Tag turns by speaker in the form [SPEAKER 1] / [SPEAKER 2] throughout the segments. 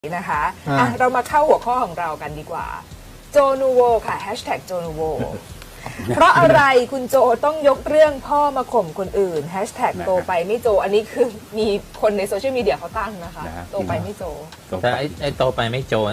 [SPEAKER 1] นะคะเรามาเข้าหัวข้อของเรากันดีกว่าโจนูโวค่ะแฮชแท็กโจนูโวเพราะอะไรคุณโจต้องยกเรื่องพ่อมาข่มคนอื่นแฮชแท็กโตไปไม่โจอันนี้คือมีคนในโซเชียลมีเดียเขาตั้งนะคะโตไปไม่โจ
[SPEAKER 2] แต่ไอ้โตไปไม่โจ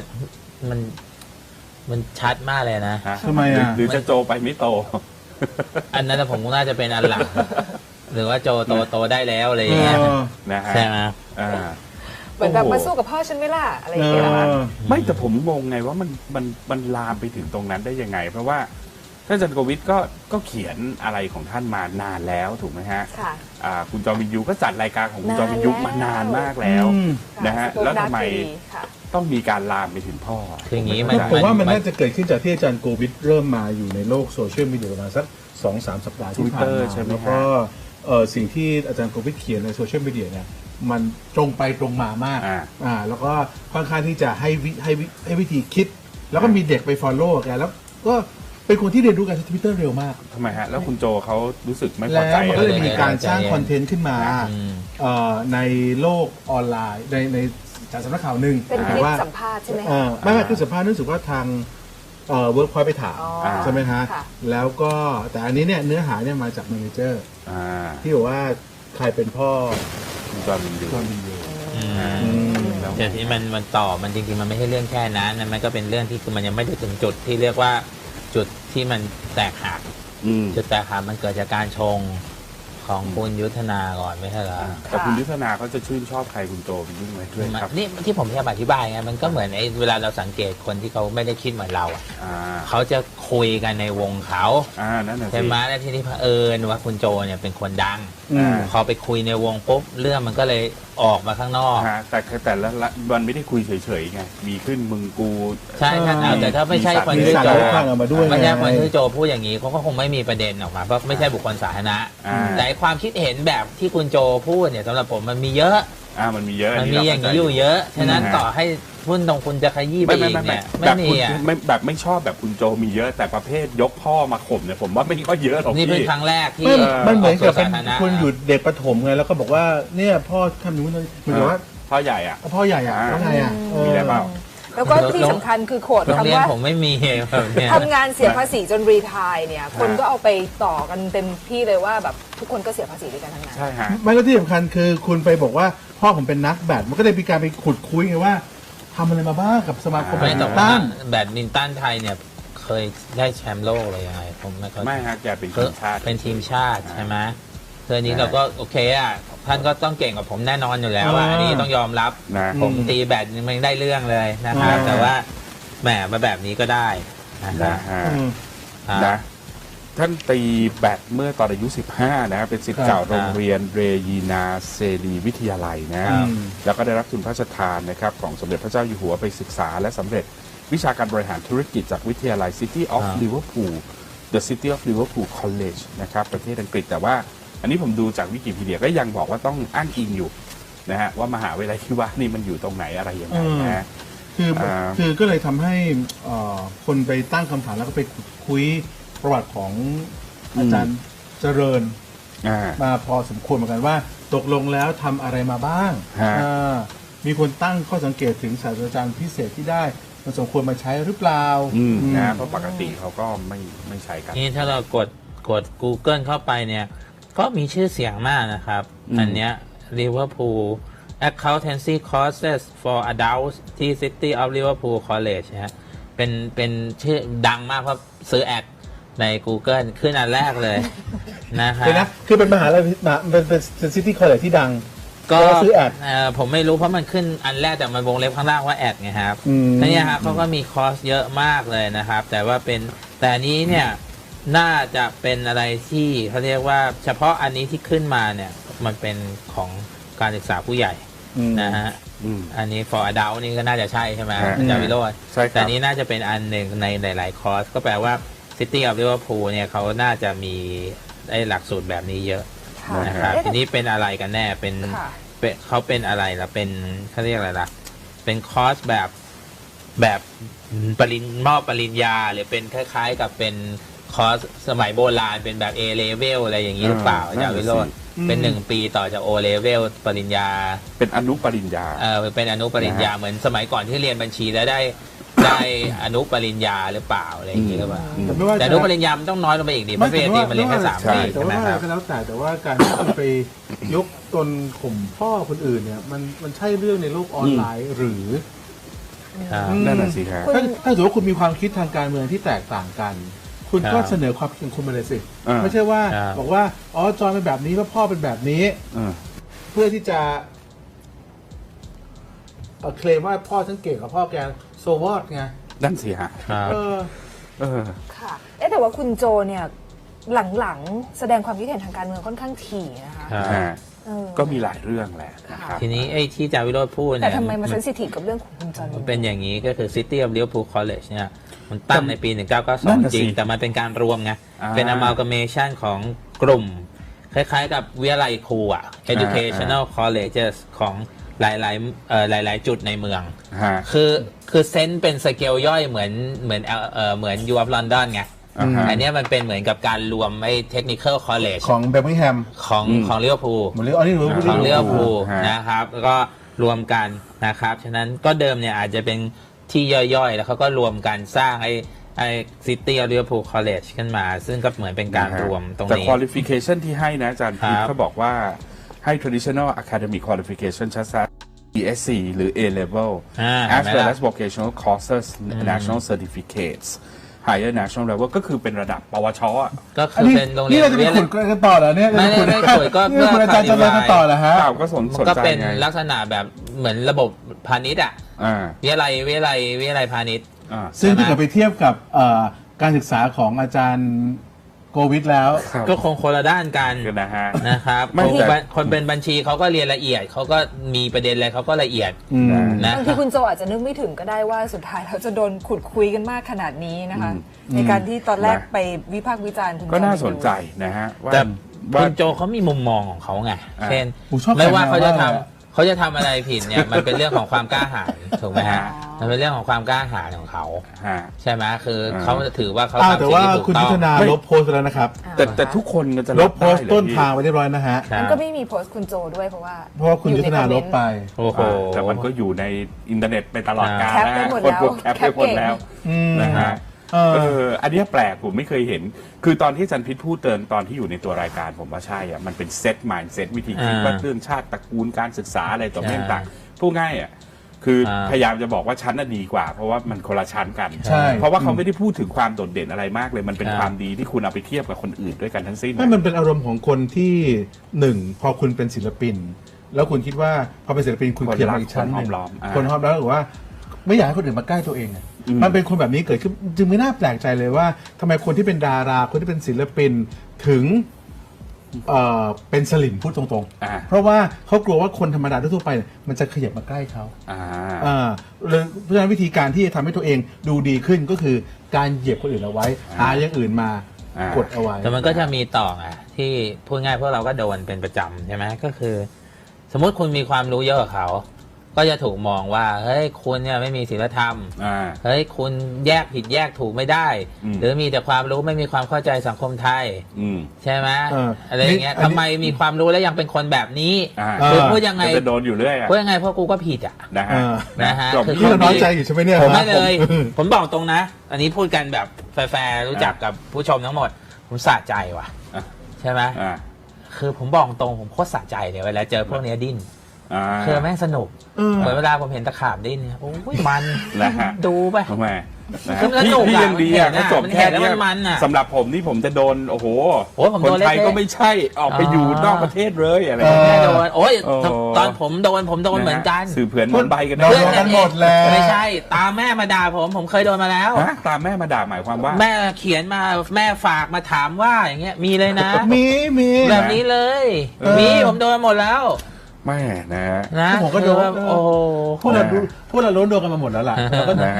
[SPEAKER 2] มันชัดมากเลยนะ
[SPEAKER 3] ทำไมอ่ะ
[SPEAKER 2] หรือจะโจไปไม่โตอันนั้นผมน่าจะเป็นอันหลังหรือว่าโจโตได้แล้วอะไรอย่างเงี้ยใช่ไหม
[SPEAKER 1] เหมือนแบบมาสู้กับพ่อฉันไม่ล่ะอะไรอย่างเงี้ยนะ
[SPEAKER 3] ไม่แต่ผมงงไงว่ามันลามไปถึงตรงนั้นได้ยังไงเพราะว่าท่านอาจารย์โควิดก็เขียนอะไรของท่านมานานแล้วถูกไหมฮะคุณจอมินยูก็จัดรายการของคุณจอมินยูมานานมากแล้วนะฮะแล้วทำไมต้องมีการลามไปถึงพ่อ
[SPEAKER 2] คืออย่างนี้
[SPEAKER 4] ผมว่ามันน่าจะเกิดขึ้นจากที่อาจารย์โควิดเริ่มมาอยู่ในโลกโซเชียลมีเดียประมาณสัก 2-3 สัปดาห์ที่ผ่านมาแล้วก็สิ่งที่อาจารย์โควิดเขียนในโซเชียลมีเดียเนี่ยมันตรงไปตรงมามากแล้วก็ค่อนข้างที่จะให้วิธีคิดแล้วก็มีเด็กไป follow แกแล้วก็เป็นคนที่เรียนรู้การใช้ Twitter เร็วมาก
[SPEAKER 3] ทำไมฮะแล้วคุณโจเขารู้สึกไม่พอใจ
[SPEAKER 4] แล้วก็เลยมีการสร้างคอนเทนต์ขึ้นมาในโลกออนไลน์ในจากสำนักข่าวหนึ่ง
[SPEAKER 1] เป็นคลิปสัมภาษณ์ใช่ไหม
[SPEAKER 4] ไม่คือสัมภาษณ์รู้สึกว่าทางเวิร์กพอยต์ไปถามใช่ไหมฮะแล้วก็แต่อันนี้เนี่ยเนื้อหาเนี่ยมาจากแมเนเจอร์ที่บอกว่าใครเป็นพ่อ
[SPEAKER 3] จอมินยู
[SPEAKER 2] แต่ที่มันต่อมันจริงๆมันไม่ใช่เรื่องแค่นั้นมันก็เป็นเรื่องที่คือมันยังไม่ได้ถึงจุดที่เรียกว่าจุดที่มันแตกหักจุดแตกหักมันเกิดจากการชงของคุณยุทธนาก่อนไม่ใช่เหรอ
[SPEAKER 3] แต่คุณยุทธนาเขาจะชื่นชอบใครคุณโจเป็นยิ่งไหมด้วยครับ
[SPEAKER 2] นี่ที่ผมจะอธิบายไงมันก็เหมือนไอ้เวลาเราสังเกตคนที่เขาไม่ได้คิดเหมือนเราเขาจะคุยกันในวงเขาใช่ไหมแล้วทีนี้เผอิญว่าคุณโจเนี่ยเป็นคนดังพอไปคุยในวงปุ๊บเรื่องมันก็เลยออกมาข้างนอก
[SPEAKER 3] แต่ละมันไม่ได้คุยเฉยๆไงมีขึ้นมึงกู
[SPEAKER 2] ใช่ครับแต่ถ้าไม่ใช่คนที่โจไม่ใช่คนที่โจพูดอย่างนี้เขาก็คงไม่มีประเด็นออกมาเพราะไม่ใช่บุคคลสาธารณะแต่ความคิดเห็นแบบที่คุณโจพูดเนี่ยสำหรับผมมันมีเยอะ
[SPEAKER 3] มันมีเยอะ
[SPEAKER 2] มันมีอย่างนี้อยู่เยอะฉะนั้นต่อให้พุ่นตรงคุณจะขยี้ไปอีกเนี่ยไม่มี
[SPEAKER 3] แบบไม่ชอบแบบคุณโจมีเยอะแต่ประเภทยกพ่อมาข่มเนี่ยผมว่าไม่ก็เยอะหรอก
[SPEAKER 2] นี่เป็นครั้งแรกที่
[SPEAKER 4] มันเหมือนกับเป็นคุณอยู่เด็กประถมไงแล้วก็บอกว่าเนี่ยพ่อทำนู้นเลยเหมือนว่า
[SPEAKER 3] พ่อใหญ่
[SPEAKER 4] พ่อใหญ่แล้วไง
[SPEAKER 3] มีอะไรเปล่า
[SPEAKER 1] แล้วก็ที่สำคัญคือโขดคำว่า
[SPEAKER 2] ผมไม่มี
[SPEAKER 1] ทำงานเสียภาษีจนรีไทร์เนี่ยคนก็เอาไปต่อกันเต็มที่เลยว่าแบบทุกคนก็เสียภาษีด้วยกันทั้งนั้น
[SPEAKER 3] ใช่ฮะ
[SPEAKER 4] ไม่แล้วที่สำคัญคือคุณไปบอกว่าพ่อผมเป็นนักแบดมันก็เลยมีการไปขุดคุยไงว่าทำอะไรมาบ้างกับสมาคมแบดมินตัน
[SPEAKER 2] ไทยเนี่ยเคยได้แชมป์โลกอะไรยังไงผม
[SPEAKER 3] ไม่ฮะแกเป็นทีมชาติ
[SPEAKER 2] เป็นทีมชาติใช่ไหมเธอนี้เราก็โอเคอ่ะท่านก็ต้องเก่งกว่าผมแน่นอนอยู่แล้วอันนี้ต้องยอมรับผมตีแบดมันได้เรื่องเลยนะครับแต่ว่าแหมมาแบบนี้ก็ได้
[SPEAKER 3] นะท่านตีแบดเมื่อตอนอายุ15นะเป็นศิษย์เก่าโรงเรียนเรยีนาเซรีวิทยาลัยนะแล้วก็ได้รับทุนพระราชทานนะครับของสมเด็จพระเจ้าอยู่หัวไปศึกษาและสำเร็จวิชาการบริหารธุรกิจจากวิทยาลัย City of Liverpool The City of Liverpool College นะครับประเทศอังกฤษแต่ว่าอันนี้ผมดูจากวิกิพีเดียก็ยังบอกว่าต้องอ้างอิงอยู่นะฮะว่ามหาวิทยาลัยที่ว่านี่มันอยู่ตรงไหนอะไรยังไงนะ
[SPEAKER 4] คือก็เลยทำให้คนไปตั้งคำถามแล้วก็ไปคุยประวัติของอาจารย์เจริญมาพอสมควรเหมือนกันว่าตกลงแล้วทำอะไรมาบ้างมีคนตั้งข้อสังเกตถึงศาสตราจารย์พิเศษที่ได้มันสมควรมาใช้หรือเปล่า
[SPEAKER 3] นะเพราะปกติเขาก็ไม่ใช้กัน
[SPEAKER 2] นี่ถ้าเรากด Google เข้าไปเนี่ยก็มีชื่อเสียงมากนะครับอันเนี้ย Liverpool Accountancy Courses for Adults ที่ City of Liverpool College นะฮะเป็นชื่อดังมากเพราะซื้อแอดใน Google ขึ้นอันแรกเลยนะครับ
[SPEAKER 4] คือเป็นมหาลัยเป็นซิตี้คอลเลจที่ดัง
[SPEAKER 2] ก็ซื้อแอดผมไม่รู้เพราะมันขึ้นอันแรกแต่มันวงเล็บข้างล่างว่าแอดไงครับนี่ฮะเขาก็มีคอร์สเยอะมากเลยนะครับแต่อันนี้เนี่ยน่าจะเป็นอะไรที่เขาเรียกว่าเฉพาะอันนี้ที่ขึ้นมาเนี่ยมันเป็นของการศึกษาผู้ใหญ่นะฮะอันนี้ for adult นี่ก็น่าจะใช่ใช่ไหมอาจารย์วิโรจน์แต่นี้น่าจะเป็นอันหนึ่งในหลายๆคอร์สก็แปลว่า City of Liverpool เนี่ยเขาน่าจะมีได้หลักสูตรแบบนี้เยอะนะครับทีนี้เป็นอะไรกันแน่เขาเป็นอะไรล่ะเป็นเขาเรียกอะไรล่ะเป็นคอร์สแบบปริญญาหรือเป็นคล้ายๆกับเป็นคอร์สสมัยโบราณเป็นแบบ A level อะไรอย่างนี้หรือเปล่าอาจารย์วิโรจน์เป็น1 ปีต่อจาก O level ปริญญา
[SPEAKER 3] เป็นอนุปริญญา
[SPEAKER 2] เป็นอนุปริญญาเหมือนสมัยก่อนที่เรียนบัญชีแล้วได้อนุปริญญาหรือเปล่าอะไรอย่างนี้หรือเปล่า
[SPEAKER 4] ไม่ว่า
[SPEAKER 2] แต่อนุปริญญามันต้องน้อยลงไปอีกดิเพราะปริญญาตรีมันเรียนแค่3 ปี
[SPEAKER 4] แต่
[SPEAKER 2] ใช่ไหม
[SPEAKER 4] ว่า
[SPEAKER 2] ครับ
[SPEAKER 4] ก็แล้วแต่ว่าการที่คุณไปยกตนข่มพ่อคนอื่นเนี่ยมันใช่เรื่องในโลกออนไลน์หรือ
[SPEAKER 3] นั่นน่ะสิฮะ
[SPEAKER 4] ถ้าสมมติว่าคุณมีความคิดทางการเมืองที่แตกต่างกัน คุณก็เสนอความคิดของคุณมาเลยสิ ไม่ใช่ว่าบอกว่าอ๋อจอยเป็นแบบนี้ว่าพ่อเป็นแบบนี้เพื่อที่จะเคลมว่าพ่อฉันเก่งกว่าพ่อแกโซวอดไง
[SPEAKER 3] นั่นสิฮะ
[SPEAKER 1] ค่ะแต่ว่าคุณโจเนี่ยหลังๆแสดงความคิดเห็นทางการเมืองค่อนข้างถี่นะคะ
[SPEAKER 3] ก็มีหลายเรื่องแหละนะครับ
[SPEAKER 2] ทีนี้ไอ้ที่อาจารย์วิโรจน์พูดเนี่ย
[SPEAKER 1] แต่ทำไมมาเซนซิทีฟกับเรื่องของคุณจอห์น
[SPEAKER 2] มันเป็นอย่างนี้ก็คือ City of Liverpool College เนี่ยมันตั้งในปี
[SPEAKER 3] นั่น
[SPEAKER 2] 1992
[SPEAKER 3] น่ะ
[SPEAKER 2] จ
[SPEAKER 3] สิ
[SPEAKER 2] ริง แต่มันเป็นการรวมไง เป็น
[SPEAKER 3] อ่า
[SPEAKER 2] amalgamation ของกลุ่ม คล้ายๆกับวิทยาลัยครูอ่ะ educational colleges ของหลายๆจุดในเมือง
[SPEAKER 3] ฮะ
[SPEAKER 2] คือเซนส์เป็นสเกลย่อยเหมือน U of London ไง อันเนี้ยมันเป็นเหมือนกับการรวมไอ้ technical college
[SPEAKER 4] ของเบอร์มิงแฮม
[SPEAKER 2] ของลิเวอร์พูล
[SPEAKER 4] หมดเลยอ๋อนี่รู้
[SPEAKER 2] ของลิเวอร์พูล
[SPEAKER 3] ฮะ
[SPEAKER 2] นะครับแล้วก็รวมกันนะครับฉะนั้นก็เดิมเนี่ยอาจจะเป็นที่ย่อยๆ แล้วเขาก็รวมกันสร้างไอ้ City of Liverpool College ขึ้นมา ซึ่งก็เหมือนเป็นการรวมตรง
[SPEAKER 3] แต่
[SPEAKER 2] นี้
[SPEAKER 3] qualification ที่ให้นะอาจารย์พีท
[SPEAKER 2] ครับ
[SPEAKER 3] เขาบอกว่าให้ traditional academic qualification ชัดๆ ESC หรือ A level
[SPEAKER 2] เห็น
[SPEAKER 3] as
[SPEAKER 2] ไหม
[SPEAKER 3] well
[SPEAKER 2] ล่ะ
[SPEAKER 3] as vocational courses national certificates higher national level ก็คือเป็นระดับปวชอ่ะ
[SPEAKER 2] ก็
[SPEAKER 4] อัน
[SPEAKER 2] คือ
[SPEAKER 4] นี้
[SPEAKER 2] เป็นโรงเรี
[SPEAKER 4] นี่
[SPEAKER 2] ยน
[SPEAKER 4] เราจะไปขุดกันต่อเหรอเนี่ย
[SPEAKER 2] ไม่ขุดก็
[SPEAKER 4] นี่คุณอาจารย์จะมากันต่อเหรอฮะ
[SPEAKER 3] เปล่าก็สน
[SPEAKER 2] มันก็
[SPEAKER 3] ใจ
[SPEAKER 2] เป็น
[SPEAKER 3] ไง
[SPEAKER 2] ลักษณะแบบเหมือนระบบพาณิชย์อ่ะ
[SPEAKER 3] อ่า
[SPEAKER 2] วิทยาลัยพาณิชย์
[SPEAKER 4] ซึ่งถ้าเกิดไปเทียบกับการศึกษาของอาจารย์โควิดแล้ว
[SPEAKER 3] ครับ
[SPEAKER 2] ก็คงคนละด้านกัน
[SPEAKER 3] กันนะฮะ
[SPEAKER 2] นะครับ
[SPEAKER 3] ไม่แต่
[SPEAKER 2] คนเป็นบัญชีเขาก็เรียนละเอียดเขาก็มีประเด็นอะไรเขาก็ละเอียด นะ
[SPEAKER 1] บางทีคุณโจอาจจะนึกไม่ถึงก็ได้ว่าสุดท้ายเราจะโดนขุดคุยกันมากขนาดนี้นะคะ ในการที่ตอนแรกไปวิพากษ์วิจารณ์คุณ
[SPEAKER 3] ก็น่า
[SPEAKER 1] จอห์
[SPEAKER 3] สนใจนะฮะว่า
[SPEAKER 2] แต่
[SPEAKER 3] ว่า
[SPEAKER 2] คุณโจเขามีมุมมองของเขาไง เช่น
[SPEAKER 4] ผมชอบ
[SPEAKER 2] ไม่ว่า
[SPEAKER 4] แขกแนว
[SPEAKER 2] เขาจะทำ
[SPEAKER 4] มาก
[SPEAKER 2] เขาจะทำอะไรผิดเนี่ย มันเป็นเรื่องของความกล้าหาญถูกไหมฮะ มันเป็นเรื่องของความกล้าหาญของเขา
[SPEAKER 3] ฮะ
[SPEAKER 2] ใช่ไหมคือเขาถือว่าเขา
[SPEAKER 4] อ้าว
[SPEAKER 2] ทำ
[SPEAKER 4] แต่
[SPEAKER 2] สิ่ง
[SPEAKER 4] ว่า
[SPEAKER 2] ที่ถูก
[SPEAKER 4] คุณ
[SPEAKER 2] ต้
[SPEAKER 4] ยุ
[SPEAKER 2] อ
[SPEAKER 4] ท
[SPEAKER 2] ง
[SPEAKER 4] ธนาลบโพสต์ไปแล้วนะครับ
[SPEAKER 3] แต่ทุกคนก็จะ
[SPEAKER 4] ล
[SPEAKER 3] รั
[SPEAKER 4] บบ โพสต์
[SPEAKER 3] ได้เหรอ
[SPEAKER 4] ต้น
[SPEAKER 3] พี่
[SPEAKER 4] ทางไว้เรียบร้อยนะฮะ
[SPEAKER 2] ครับ
[SPEAKER 1] มันก็ไม่มีโพสต์คุณโจด้วยเพราะว่า
[SPEAKER 4] เพราะว่าคุณยุทธนาลบไป
[SPEAKER 2] โอ้โห
[SPEAKER 3] แต่มันก็อยู่ในอินเทอร์เน็ตไปตลอดกาล
[SPEAKER 1] แคป
[SPEAKER 3] นะ
[SPEAKER 1] ไป
[SPEAKER 3] ฮะ
[SPEAKER 1] หมด
[SPEAKER 3] คน
[SPEAKER 1] แล้ว
[SPEAKER 3] กดแคปไปหมดแล้วนะฮะ อันเนี้ยแปลกผมไม่เคยเห็น คือตอนที่อาจันพิษพูดเตือนตอนที่อยู่ในตัวรายการผมว่าใช่อ่ะมันเป็นเซตมายด์เซตวิธีคิดว่าเรื่องชาติตระกูลการศึกษาอะไรต่อเรื่องต่างพูดง่ายอ่ะคือพยายามจะบอกว่าชั้นน่ะดีกว่า เพราะว่ามันคนละชั้นกัน
[SPEAKER 4] ใช่
[SPEAKER 3] เพราะว่าเขาไม่ได้พูดถึงความโดดเด่นอะไรมากเลยมันเป็นความดีที่คุณเอาไปเทียบกับคนอื่นด้วยกันทั้งสิ้น
[SPEAKER 4] ไม่มันเป็นอารมณ์ของคนที่หนึ่งพอคุณเป็นศิลปิน แล้วคุณคิดว่าพอเป็นศิลปินคุณ
[SPEAKER 3] คน
[SPEAKER 4] เพียง
[SPEAKER 3] รัก
[SPEAKER 4] อีกชั้นหนึ่ง
[SPEAKER 3] คนห้อมล้อมอ่า
[SPEAKER 4] คนห้อมล้อมหรือว่า ไม่อยากให้คนอื่นมาใกล้ตัวเองอะมันเป็นคนแบบนี้เกิดขึ้นจึงไม่น่าแปลกใจเลยว่าทำไมคนที่เป็นดาราคนที่เป็นศิลปินถึงเป็นสลิมพูดตรงๆ เพราะว่าเขากลัวว่าคนธรรมดาทั่วไปเนี่ยมันจะขยับมาใกล้เขาเลยเพราะฉะนั้นวิธีการที่จะทำให้ตัวเองดูดีขึ้นก็คือการเหยียบคนอื่นเอาไว้หาอย่างอื่นมากดเอาไว้
[SPEAKER 2] แต่มันก็จะมีต่อไงที่พูดง่ายพวกเราก็โดนเป็นประจำใช่ไหมก็คือ สมมติคุณมีความรู้เยอะกว่าเขา ก็จะถูกมองว่าเฮ้ยคุณเนี่ยไม่มีศีลธรรมเฮ้ยคุณแยกผิดแยกถูกไม่ได้ หรือมีแต่ความรู้ไม่มีความเข้าใจสังคมไทยใช่ไหมอะไรอย่างเงี้ยทำไมมีความรู้แล้วยังเป็นคนแบบนี้คือพูดยังไง
[SPEAKER 3] จะโดนอยู่เรื่อย
[SPEAKER 2] พูดยังไงเพราะกูก็ผิดอ่ะนะฮะ
[SPEAKER 4] คือเราน้อยใจอยู่ใช่ไหมเนี่ย
[SPEAKER 2] ผมไม่เลย ผมบอกตรงนะ อันนี้พูดกันแบบแฟร์ๆรู้จักกับผู้ชมทั้งหมด ผมสะใจว่ะใช่ไหมคือผมบอกตรงผมโคตรสะใจเลยเวลาเจอพวกเนี้ยดิ้นคือแม่งสนุกเหมือนเวลาผมเห็นตะขาบดิ้นเนี่ยโอ้ยมันดูไป
[SPEAKER 3] ทำไม
[SPEAKER 2] พี่
[SPEAKER 3] ยังดีอ่ะเขาจบแค่นี้
[SPEAKER 2] มันอ่ะ
[SPEAKER 3] สำหรับผมนี่ผมจะโดนโอ้โห
[SPEAKER 2] ผม
[SPEAKER 3] คน
[SPEAKER 2] โดน
[SPEAKER 3] ไทยก็ไม่ใช่ออกไปอยู่นอกประเทศเลยอะไรอย่าง
[SPEAKER 2] แม่
[SPEAKER 3] เงี้ย
[SPEAKER 2] โดนโอ้ยตอนผมโดนเหมือนกัน
[SPEAKER 3] สื่อเผื่อนมันใบกัน
[SPEAKER 4] โดนกันหมดแล้ว
[SPEAKER 2] ไม่ใช่ตามแม่มาด่าผมเคยโดนมาแล้ว
[SPEAKER 3] ตามแม่มาด่าหมายความว่า
[SPEAKER 2] แม่เขียนมาแม่ฝากมาถามว่าอย่างเงี้ยมีเลยนะ
[SPEAKER 4] มี
[SPEAKER 2] แบบนี้เลยมีผมโดนหมดแล้ว
[SPEAKER 3] แม่นะ
[SPEAKER 2] นะ
[SPEAKER 4] ผมก็โดน
[SPEAKER 2] โอ้
[SPEAKER 4] พวกเราโดนกันมาหมดแล้วล่ะแล้วก็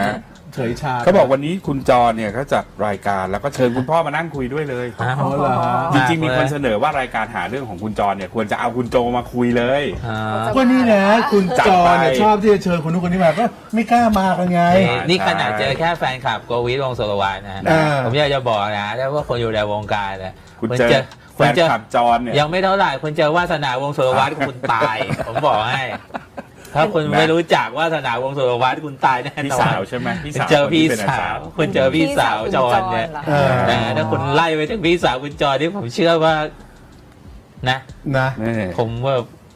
[SPEAKER 4] เฉยชา
[SPEAKER 3] เขาบอกวันนี้คุณจรเนี่ยเขาจัดรายการแล้วก็เชิญคุณพ่อมานั่งคุยด้วยเลย
[SPEAKER 2] อ้าว
[SPEAKER 4] อ๋อเหรอฮะ
[SPEAKER 3] จริงๆมีคนเสนอว่ารายการหาเรื่องของคุณจรเนี่ยควรจะเอาคุณโจมาคุยเลย
[SPEAKER 2] อ่า
[SPEAKER 4] ก็นี่นะคุณ
[SPEAKER 3] จัด
[SPEAKER 4] จอ
[SPEAKER 3] ไป
[SPEAKER 4] เนี่ยชอบที่จะเชิญคนนู้นคนนี้มาก็ไม่กล้ามากันไง
[SPEAKER 2] นี่ขนาดเจอแค่แฟนคลับโกวิทวงศ์สุรวัฒน์นะ
[SPEAKER 4] อ่า
[SPEAKER 2] ผมอยากจะบอกนะแล้วว่าคนอยู่ในวงการเนี่ย
[SPEAKER 3] คุณเจอแฟนคลับจรเนี่ย
[SPEAKER 2] ยังไม่เท่าไหร่คุณเจอวาสนาวงศ์สุรวัฒน์คุณตาย ผมบอกให้ ถ้าคุณไม่รู้จักวาสนาวงศ์สุรวัฒน์คุณตายแน่นอน
[SPEAKER 3] พี่สาวใช่ไหมพี่
[SPEAKER 2] คุณ
[SPEAKER 3] สาว
[SPEAKER 2] เจอพี่
[SPEAKER 3] คนที่เป็น
[SPEAKER 2] สาวคุณเจอพี่สาวจรเนี่ย
[SPEAKER 1] เหรอ
[SPEAKER 4] เออ
[SPEAKER 2] ถ้าคุณไล่ไปถึงพี่สาวคุณจรที่ผมเชื่อว่านะ
[SPEAKER 4] นะ
[SPEAKER 3] นี่
[SPEAKER 2] ผมว่า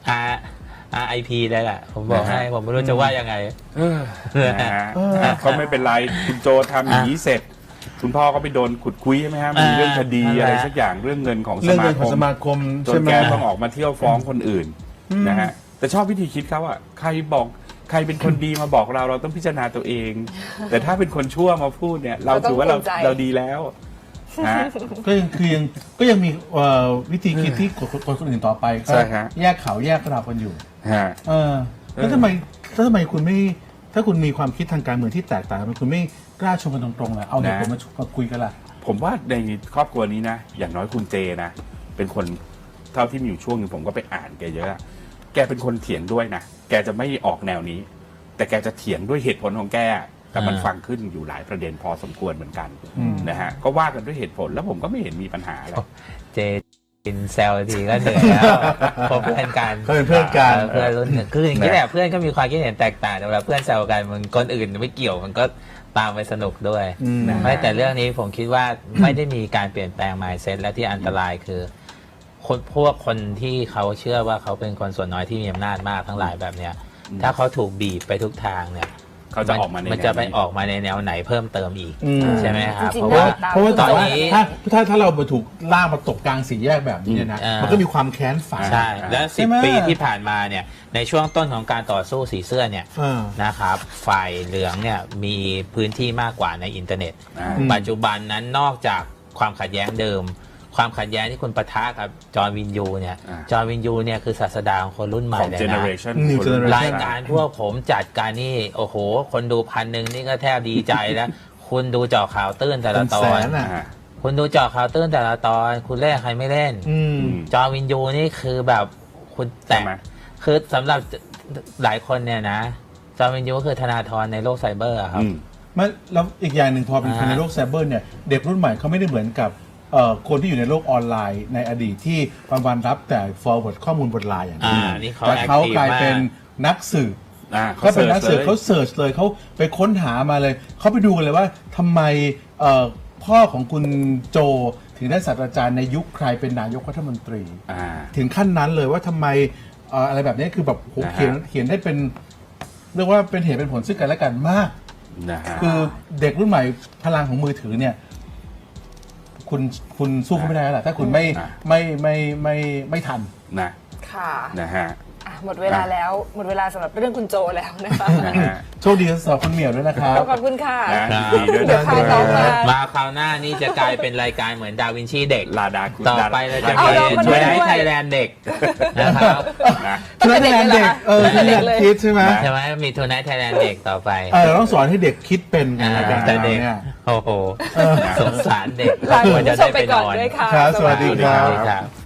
[SPEAKER 2] RIP เลยแหละผมบอกให้ผมไม่รู้จะว่ายังไง
[SPEAKER 3] นะฮะเขาไม่เป็นไรคุณโจทำอย่างนี้เสร็จ คุณพ่อก็ไปโดนขุดคุยใช่ไหมฮะมีเรื่องคดีอะไรสักอย่างเรื่องเงินของส
[SPEAKER 4] เรื่อง
[SPEAKER 3] มา
[SPEAKER 4] เงิน
[SPEAKER 3] ค
[SPEAKER 4] ของ
[SPEAKER 3] ม
[SPEAKER 4] สมาคม
[SPEAKER 3] จ
[SPEAKER 4] ใช่
[SPEAKER 3] น
[SPEAKER 4] ไหม
[SPEAKER 3] แกต้องออกมาเที่ยวฟ้องคนอื่นนะฮะแต่ชอบวิธีคิดเขาอะใครเป็นคนดีมาบอกเราต้องพิจารณาตัวเอง แต่ถ้าเป็นคนชั่วมาพูดเนี่ย เราถือว่าเราดีแล้วนะ
[SPEAKER 4] ก็ยังมีวิธีคิดที่คนอื่นต่อไปก็
[SPEAKER 3] ใช่ฮะ
[SPEAKER 4] แยกเขาแยกเรากันอยู่
[SPEAKER 3] ฮะ
[SPEAKER 4] แล้วทำไมคุณไม่ถ้าคุณมีความคิดทางการเมืองที่แตกต่างกันคุณไม่กล้าชมกันตรงๆล่ะเอาเด็กผมมาคุยกันล่ะ
[SPEAKER 3] ผมว่าในครอบครัวนี้นะอย่างน้อยคุณเจนะเป็นคนเท่าที่มีอยู่ช่วงหนึงผมก็ไปอ่านแกเยอะแกเป็นคนเถียงด้วยนะแกจะไม่ออกแนวนี้ แต่แกจะเถียงด้วยเหตุผลของแกแต่มันฟังขึ้นอยู่หลายประเด็นพอสมควรเหมือนกันนะฮะก็ว่ากันด้วยเหตุผลแล้วผมก็ไม่เห็นมีปัญหาอะไร
[SPEAKER 2] เจกินแซวทีก็เหนื่อยแล้วเพราะเพื่อนกัน
[SPEAKER 4] เขาเป็นเพื่อนกัน
[SPEAKER 2] เพื่อนรุ่นหนึ่งคืออย่างนี้แหละเพื่อนก็มีความคิดเห็นแตกต่างแต่เวลาเพื่อนแซวกันมันคนอื่นไม่เกี่ยวมันก็ตามไปสนุกด้วยไม่แต่เรื่องนี้ผมคิดว่าไม่ได้มีการเปลี่ยนแปลง mindset และที่อันตรายคือพวกคนที่เขาเชื่อว่าเขาเป็นคนส่วนน้อยที่มีอำนาจมากทั้งหลายแบบเนี้ยถ้าเขาถูกบีบไปทุกทางเนี่ย
[SPEAKER 3] เขาจะออกมาใน
[SPEAKER 2] มันจะไป
[SPEAKER 3] แนวนี้
[SPEAKER 2] ออกมาในแนวไหนเพิ่มเติมอีก
[SPEAKER 4] อืม
[SPEAKER 2] ใช่ไหมครับ
[SPEAKER 1] จริง
[SPEAKER 2] เพ
[SPEAKER 1] ๆ
[SPEAKER 2] ราะว่า
[SPEAKER 4] เพราะว่า
[SPEAKER 2] ต
[SPEAKER 4] ต
[SPEAKER 2] อ
[SPEAKER 4] อน น
[SPEAKER 2] นี้
[SPEAKER 4] นี้ถ้าเราถูกล่ากมาตกกลางสี่แยกแบบนี้เนี่ยนะ
[SPEAKER 2] อืม
[SPEAKER 4] มันก็มีความแค้นฝัง
[SPEAKER 2] ใช่ และ
[SPEAKER 4] ใช่ไหม
[SPEAKER 2] 10 ปีที่ผ่านมาเนี่ยในช่วงต้นของการต่อสู้สีเสื้อเนี่ย
[SPEAKER 4] อ่า
[SPEAKER 2] นะครับฝ่ายเหลืองเนี่ยมีพื้นที่มากกว่าในอินเทอร์เน็ต
[SPEAKER 3] อืม
[SPEAKER 2] ปัจจุบันนั้นนอกจากความขัดแย้งเดิม ความขัดแย้งที่คุณปะทะกับจอห์นวินยูเนี่ยจอห์นวินยูเนี่ยคือศาสดาของคนรุ่นใหม่
[SPEAKER 3] ของ
[SPEAKER 2] เลย
[SPEAKER 3] เจเนอ
[SPEAKER 2] นะ
[SPEAKER 3] เรชัน
[SPEAKER 4] New generation
[SPEAKER 2] รายการพวกผมจัดการนี่โอ้โห คนดู1,000นี่ก็แทบดีใจแล้ว คุณดูเจาะข่าวตื้นแต่ละตอ
[SPEAKER 4] เป็น
[SPEAKER 2] น
[SPEAKER 4] แสนอะ
[SPEAKER 2] คุณดูเจาะข่าวตื้นแต่ละตอน คุณเล่นใครไม่เล่น
[SPEAKER 4] อืม
[SPEAKER 2] จอห์นวินยูนี่คือแบบคุณแต่
[SPEAKER 3] ใช่ไหม
[SPEAKER 2] คือสำหรับหลายคนเนี่ยนะจอห์นวินยูก็คือธนาธรในโลกไซเบอร์อะครับ
[SPEAKER 4] ไม่แล้วอีกอย่างหนึ่งพอเป็นคน
[SPEAKER 2] อ่า
[SPEAKER 4] ในโลกไซเบอร์เนี่ยเด็กรุ่นใหม่เขาไม่ได้เหมือนกับคนที่อยู่ในโลกออนไลน์ในอดีตที่วันๆรับแต่ forward ข้อมูลบนไลน์อย่างเดียว
[SPEAKER 2] นี่เขา
[SPEAKER 4] แต่เขา
[SPEAKER 2] active
[SPEAKER 4] กลายเป็น
[SPEAKER 2] มาก
[SPEAKER 4] นักสืบ
[SPEAKER 3] เขา
[SPEAKER 4] เขาเป็นนักสืบ
[SPEAKER 3] ลย
[SPEAKER 4] เขาเสิร์ชเลยเขาไปค้นหามาเลยเขาไปดูกันเลยว่าทำไมพ่อของคุณโจถึงได้ศาสตราจารย์ในยุคใครเป็นนายกรัฐมนตรี ถึงขั้นนั้นเลยว่าทำไมอะไรแบบนี้คือแบบโห
[SPEAKER 3] นะฮะ
[SPEAKER 4] เขียนได้เป็นเรียกว่าเป็นเหตุเป็นผลซึ่งกันและกันมาก
[SPEAKER 3] นะฮะ
[SPEAKER 4] คือเด็กรุ่นใหม่พลังของมือถือเนี่ย คุณสู้เขาไม่ได้แล้วล่ะถ้าคุณไม่ทัน
[SPEAKER 3] นะ
[SPEAKER 1] ค่ะ
[SPEAKER 3] นะฮะ
[SPEAKER 1] อ่ะหมดเวลาแล้วหมดเวลาสำหรับเรื่องคุณโจแล้วนะคะ
[SPEAKER 3] นะฮะ
[SPEAKER 4] โชคดีสำหรับคุณเหมียวด้วยนะครับ
[SPEAKER 1] ขอบคุณค่ะ
[SPEAKER 3] นะยินดีด้วย
[SPEAKER 1] เดี๋ยวพาน้องมา
[SPEAKER 2] มาคราวหน้านี่จะกลายเป็นรายการเหมือนดาวินชีเด็ก
[SPEAKER 3] ลาดาคุณ
[SPEAKER 2] ต่อไปเราจะ
[SPEAKER 1] เอา
[SPEAKER 2] มี
[SPEAKER 1] น้องมา
[SPEAKER 2] ช่วย
[SPEAKER 1] ด้วย
[SPEAKER 2] ให้ไทยแลนด์เด็กนะครับ
[SPEAKER 3] นะ
[SPEAKER 4] ทุนไทยแลนด์เด็กที่อยากคิดใช่ไหม
[SPEAKER 2] ใช่ไหมมีทูนายไทยแลนด์เด็กต่อไป
[SPEAKER 4] เราต้องสอนให้เด็กคิดเป็นกันรายการ
[SPEAKER 2] แต่
[SPEAKER 4] เรา
[SPEAKER 2] เด็ก
[SPEAKER 4] เนี่ย
[SPEAKER 2] โอ้โหสงสารเด็ก
[SPEAKER 1] ลาคุณ
[SPEAKER 2] ควรจะ
[SPEAKER 1] ผู้ช
[SPEAKER 2] ได้
[SPEAKER 1] มไป
[SPEAKER 2] ไปน
[SPEAKER 1] ก่อน
[SPEAKER 2] อน
[SPEAKER 1] ด้วยค่ะ
[SPEAKER 4] ครับสวัสดี
[SPEAKER 2] สวัสดีครับ